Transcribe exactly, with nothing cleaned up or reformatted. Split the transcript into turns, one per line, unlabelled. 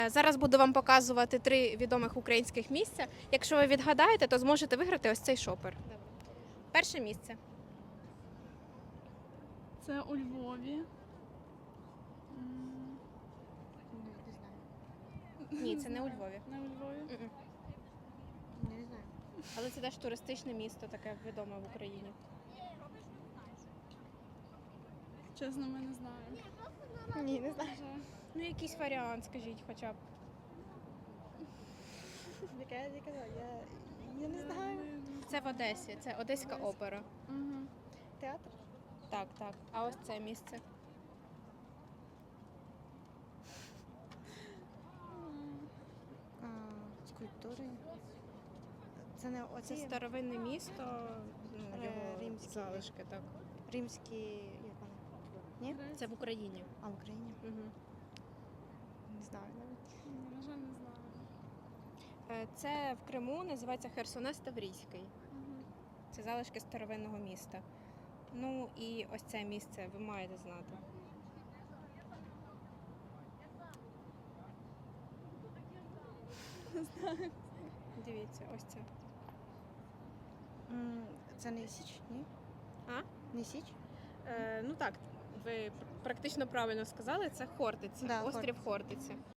Зараз буду вам показувати три відомих українських місця. Якщо ви відгадаєте, то зможете виграти ось цей шопер. Перше місце.
Це у Львові.
Ні, це не у Львові.
Не у Львові.
Мгм.
Не знаю.
Але це теж туристичне місто, таке відоме в Україні.
Чесно, ми не знаємо.
Ні, не знаю.
Ну, якийсь варіант, скажіть хоча б.
Яка я не казала, я, я не знаю.
Це в Одесі, це Одеська опера.
Угу.
Театр?
Так, так. А ось це місце.
А, скульптури. Це не
Це
оці
старовинне місто, ну,
Е,
його
римські.
залишки, так.
римські, як вони? Ні?
Це в Україні.
А в Україні?
Угу.
Не знаю навіть.
На жаль, не знаю.
Це в Криму, називається Херсонес Таврійський.
Угу.
Це залишки старовинного міста. Ну і ось це місце ви маєте знати. Дивіться, ось це.
М, Це не Січ, ні?
А?
Не Січ?
Е, ну так, ви практично правильно сказали, це Хортиця,
Да,
острів Хортиця.